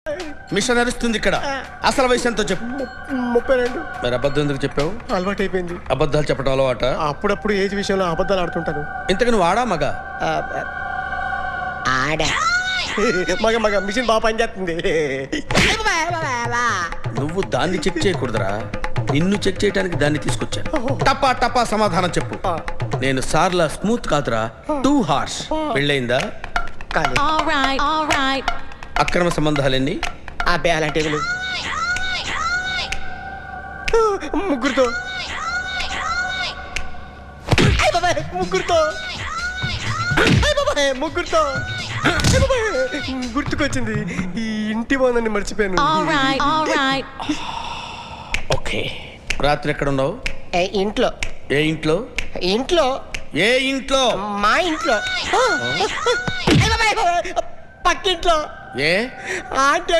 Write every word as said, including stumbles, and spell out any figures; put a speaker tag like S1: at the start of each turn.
S1: Machine నడుస్తుంది ఇక్కడ. అసలు వయసు ఎంతో చెప్పు.
S2: ముప్పై రెండు.
S1: మరి అబద్ధం ఎందుకు చెప్పావు?
S2: అలవాటు అయిపోయింది.
S1: అబద్ధాలు చెప్పడం అలవాట?
S2: అప్పుడప్పుడు ఏజ్ విషయంలో అబద్ధాలు ఆడుతుంటాను.
S1: ఇంతకు నువ్వు ఆడా మగ?
S2: ఆడా. మగ మగ మిషన్ బాగా పనిచేస్తుంది.
S1: నువ్వు దాన్ని చెక్ చేయకూడదురా, నిన్ను చెక్ చేయడానికి దాన్ని తీసుకొచ్చాను. టపా టపా సమాధానం చెప్పు. నేను సార్లా స్మూత్ కాదురా, టూ హార్ష్. పెళ్ళయిందా? అక్రమ సంబంధాలెన్ని?
S2: అబ్బే అలాంటి ముగ్గురుతో ముగ్గురుతో ముగ్గురుతో గుర్తుకొచ్చింది. ఈ ఇంటి బాగుందని మర్చిపోయాను.
S1: ఓకే. రాత్రి ఎక్కడ ఉన్నావు?
S2: ఇంట్లో.
S1: ఏ ఇంట్లో?
S2: ఇంట్లో.
S1: ఏ ఇంట్లో?
S2: మా ఇంట్లో. పక్కింట్లో.
S1: ఏ
S2: ఆంటీ